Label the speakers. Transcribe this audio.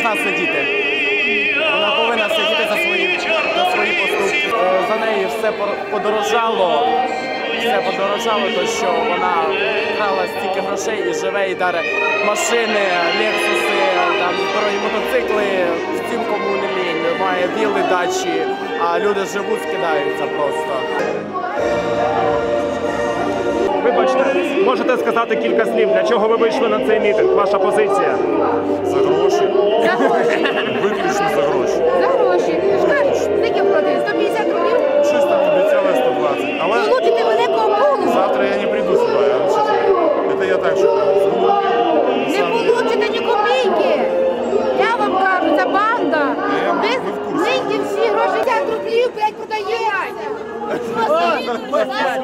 Speaker 1: должна сидіти. Вона повинна сидіти за свої поступки. За неї все подорожало. Все подорожало, то що вона вкрала стільки грошей і живе, і дарить машини, лексуси, там, дорогі мотоцикли, всім кому не лінь, має вілли, дачі, а люди живуть, скидаються просто.
Speaker 2: Вибачте, можете сказати кілька слів, для чого ви вийшли на цей мітинг, ваша позиція?
Speaker 3: За гроші.
Speaker 4: За гроші.
Speaker 3: Виключно за гроші.
Speaker 4: За гроші. Скажеш, скільки платили? 150 рублів?
Speaker 3: Щось там обіцяли 120. Але
Speaker 4: Получите великого бонусу.
Speaker 3: завтра я не прийду сюди, я вам чесно. Це я так, що
Speaker 4: Не получите ні копійки. Я вам кажу, це банда. Ви нині всі гроші 50 рублів, блядь, продаєте.